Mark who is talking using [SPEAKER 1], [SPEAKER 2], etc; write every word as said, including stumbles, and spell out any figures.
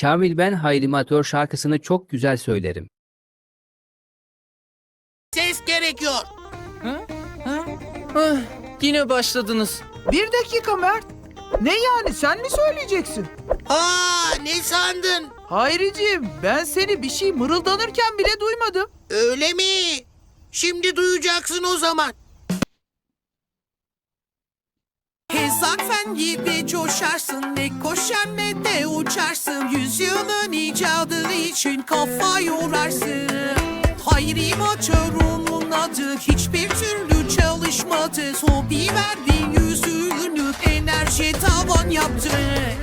[SPEAKER 1] Kamil ben Hayrimatör şarkısını çok güzel söylerim.
[SPEAKER 2] Ses gerekiyor.
[SPEAKER 3] Ah, yine başladınız.
[SPEAKER 4] Bir dakika Mert. Ne yani, sen mi söyleyeceksin?
[SPEAKER 2] Aa, ne sandın?
[SPEAKER 4] Hayriciğim, ben seni bir şey mırıldanırken bile duymadım.
[SPEAKER 2] Öyle mi? Şimdi duyacaksın o zaman.
[SPEAKER 5] Hezarfen gibi coşarsın, ne koşar ne de uçarsın. Yüzyılın icadı için kafa yorarsın. Hayri Matör onun adı, hiçbir türlü çalışmadı. Hobi verdi yüzünü, enerji tavan yaptı.